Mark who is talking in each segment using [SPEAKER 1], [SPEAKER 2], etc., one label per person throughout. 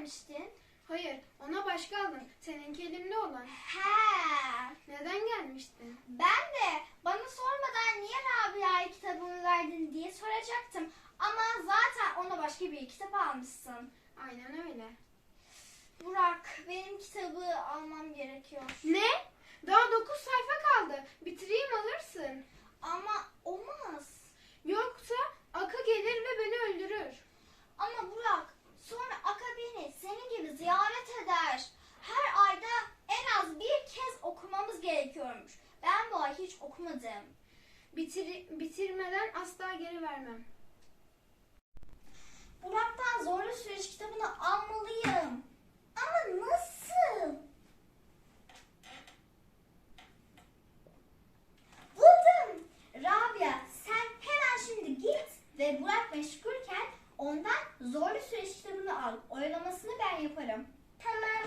[SPEAKER 1] gelmiştin?
[SPEAKER 2] Hayır, ona başka aldım. Seninki elimde olan.
[SPEAKER 1] He.
[SPEAKER 2] Neden gelmiştin?
[SPEAKER 1] Ben de bana sormadan niye Rabia'ya kitabımı verdin diye soracaktım. Ama zaten ona başka bir kitap almışsın.
[SPEAKER 2] Aynen öyle.
[SPEAKER 1] Burak, benim kitabı almam gerekiyor.
[SPEAKER 2] Ne? Daha 9 sayfa kaldı. Bitireyim alırsın.
[SPEAKER 1] Ama olmaz.
[SPEAKER 2] Yoksa Aka gelir ve beni öldürür.
[SPEAKER 1] Ama Burak, sonra Aka beni senin gibi ziyaret eder. Her ayda en az bir kez okumamız gerekiyormuş. Ben bu ay hiç okumadım.
[SPEAKER 2] Bitirmeden asla geri vermem.
[SPEAKER 1] Burak'tan Zorlu Süreç kitabını almalıyım. Ama nasıl? Buldum. Rabia, sen hemen şimdi git ve Burak meşgulken ondan Zorlu Süreç kitabını al. Oyalamasını ben yaparım. Tamam.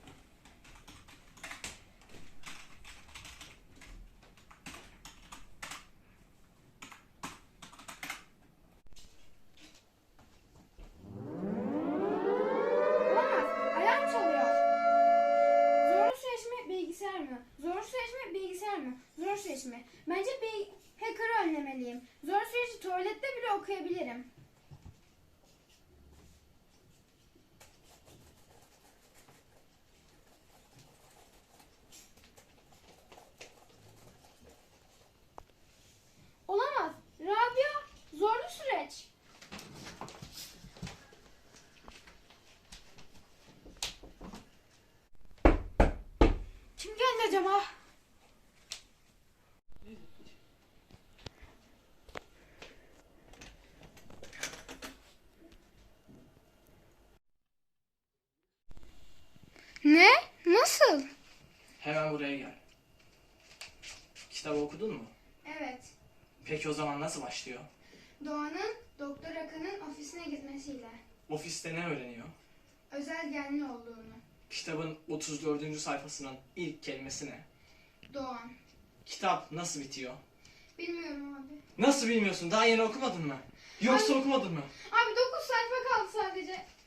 [SPEAKER 2] Olamaz. Alarm çalıyor. Zorlu süreç mi, bilgisayar mı? Zorlu süreç mi, bilgisayar mı? Zorlu süreç mi? Bence bir hacker'ı önlemeliyim. Zorlu süreci tuvalette bile okuyabilirim. Olamaz. Rabia, zorlu süreç. Kim geldi acaba? Ne? Nasıl?
[SPEAKER 3] Hemen buraya gel. Kitabı okudun mu?
[SPEAKER 2] Evet.
[SPEAKER 3] Peki o zaman nasıl başlıyor?
[SPEAKER 2] Doğan'ın Doktor Akın'ın ofisine gitmesiyle.
[SPEAKER 3] Ofiste ne öğreniyor?
[SPEAKER 2] Özel genli olduğunu.
[SPEAKER 3] Kitabın 34. sayfasının ilk kelimesi ne?
[SPEAKER 2] Doğan.
[SPEAKER 3] Kitap nasıl bitiyor?
[SPEAKER 2] Bilmiyorum abi.
[SPEAKER 3] Nasıl bilmiyorsun? Daha yeni okumadın mı? Yoksa okumadın mı?
[SPEAKER 2] Abi 9 sayfa kaldı sadece.